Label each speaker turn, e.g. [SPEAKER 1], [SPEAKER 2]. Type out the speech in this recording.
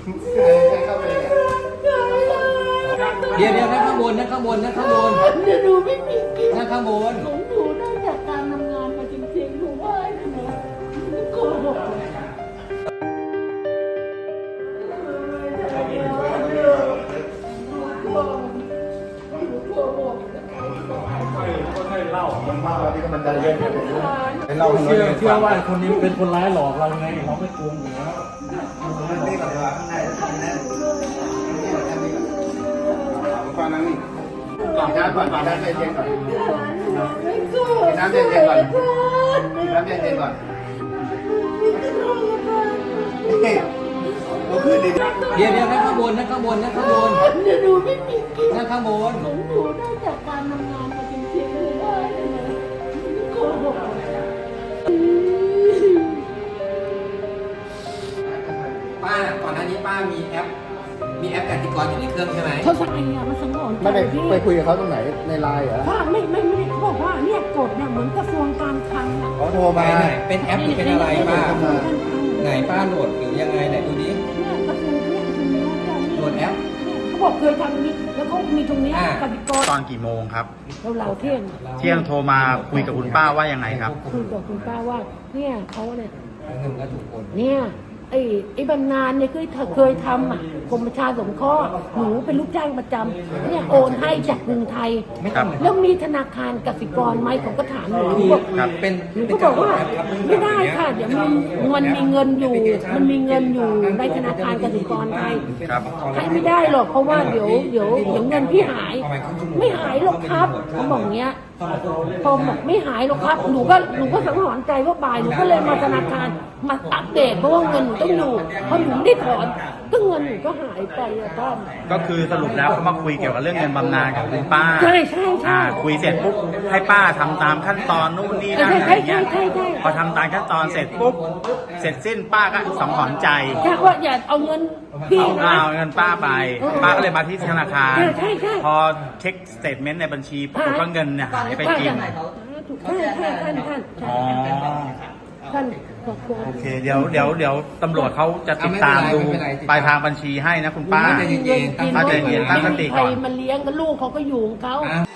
[SPEAKER 1] เดี๋ยวนั่งข้างบนนั่งข้างบนนั่งข้างบน
[SPEAKER 2] เดี๋ยวหนูไม่มีกิน
[SPEAKER 1] นั่งข้างบน
[SPEAKER 2] ของหนูได้จากการทำงานมาจริงๆหนูว่านะหนูโกหก
[SPEAKER 3] เชื่อว่าคนนี้เป็นคนร้ายหลอกเราไงเราไม่โกงอยู่แล้ว
[SPEAKER 4] ก่อนนั่งนี่ก่อนน้ำเย็นก่อนน้ำเย็นก่อนน้ำเย็นก่อนเราขึ้นดิ
[SPEAKER 1] เดี๋ยวนั่งข้างบนนั่งข้างบนนั่งข้างบน
[SPEAKER 2] เดี๋ยวหนูไม่มีกิน
[SPEAKER 1] นั่งข้างบน
[SPEAKER 2] ของหนูได้จากการทำงานมาจริงๆหนูว่านะหนูโกหก
[SPEAKER 1] ป้าก่อนหน้านี้ป้ามีแอปกสิกรอยู่ในเครื่องใช่ไหม
[SPEAKER 2] เขาสั่งไงอะมันสังหรณ์
[SPEAKER 4] ไม่ได้ไปคุยกับเขาตรงไหนในไลน์เหรอ
[SPEAKER 2] ว่าไม่ได้เขาบอกว่าเนี่ยกฎเนี่ยเหมือนกระทรวงการคลังอะ
[SPEAKER 4] เขาโทรมา
[SPEAKER 1] ไหนเป็นแอปหรือเป็นอะไรป้า
[SPEAKER 2] กระทรวงการคลัง
[SPEAKER 1] ไหนป้าโหลดหรือยังไงไหนดูดิ
[SPEAKER 2] เนี่ยกระทรวงเนี่ยตรงเนี้ยเจ้า
[SPEAKER 1] โหลดแอป
[SPEAKER 2] เขาบอกเคยทำนี้แล้วเขามีตรงเนี้ยกสิกร
[SPEAKER 5] ตอนกี่โมงครับ
[SPEAKER 2] เราเที่ยง
[SPEAKER 5] เที่ยงโทรมาคุยกับคุณป้าว่ายังไงครับ
[SPEAKER 2] คุยกับคุณป้าว่าเนี่ยเขาเนี่ย
[SPEAKER 1] เงินก็ถูกโอน
[SPEAKER 2] เนี่ยไอ้บำนาญเนี่ยเคยทำอ่ะกรมประชาสงเคราะห์หนูเป็นลูกจ้างประจำเนี่ยโอนให้จากกรุงไทย
[SPEAKER 5] ครับ
[SPEAKER 2] แล้วมีธนาคารกสิกรไหมผมก็ถามหนูบอก
[SPEAKER 5] ครับ
[SPEAKER 1] เป็น
[SPEAKER 2] หนูก็บอกว่าไม่ได้ค่ะเดี๋ยวมันมีเงินอยู่ในธนาคารกสิกรไทย
[SPEAKER 5] ครับ
[SPEAKER 2] ให้ไม่ได้หรอกเพราะว่าเดี๋ยวเงินพี่หาย ไม่หายหรอกครับเขาบอกเงี้ยพอบอกไม่หายหรอกครับหนูก็สังหรณ์ใจว่าบ่ายหนูก็เลยมาธนาคารมาอัปเดตเพราะว่าเงินหนูต้องอยู่พอหนูไม่ได้ถอนก็เงินหนูก็หายไปอะท่าน
[SPEAKER 5] ก็คือสรุปแล้วเขามาคุยเกี่ยวกับเรื่องเงินบำนาญกับคุณป้า
[SPEAKER 2] ใช่
[SPEAKER 5] คุยเสร็จปุ๊บให้ป้าทำตามขั้นตอนนู่นนี่นั่นอะไรเงี้ย
[SPEAKER 2] ใช่
[SPEAKER 5] พอทำตามขั้นตอนเสร็จปุ๊บเสร็จสิ้นป้าก็สังหรณ์ใจ
[SPEAKER 2] แค่ว่าอย่าเอาเงินพี่นะ
[SPEAKER 5] เอาเงินป้าไป ป้าก็เลยมาที่ธนาคาร
[SPEAKER 2] ใช่
[SPEAKER 5] พอเช็คสเตทเมนต์ในบัญชีปรากฏว่าเงินเนี่ยหายไปจริง
[SPEAKER 2] ใช่ท่าน
[SPEAKER 5] อ๋อ
[SPEAKER 2] ท่านขอบคุณ
[SPEAKER 5] โอเคเดี๋ยวตำรวจเขาจะติดตามดูปลายทางบัญชีให้นะคุณป้า
[SPEAKER 1] ใจเย็นๆ
[SPEAKER 5] ป้าใจเย็นตั้งสติก่อน
[SPEAKER 2] ใครมาเลี้ยงกับลูกเขาก็อยู่ของเขา
[SPEAKER 1] อ่ะ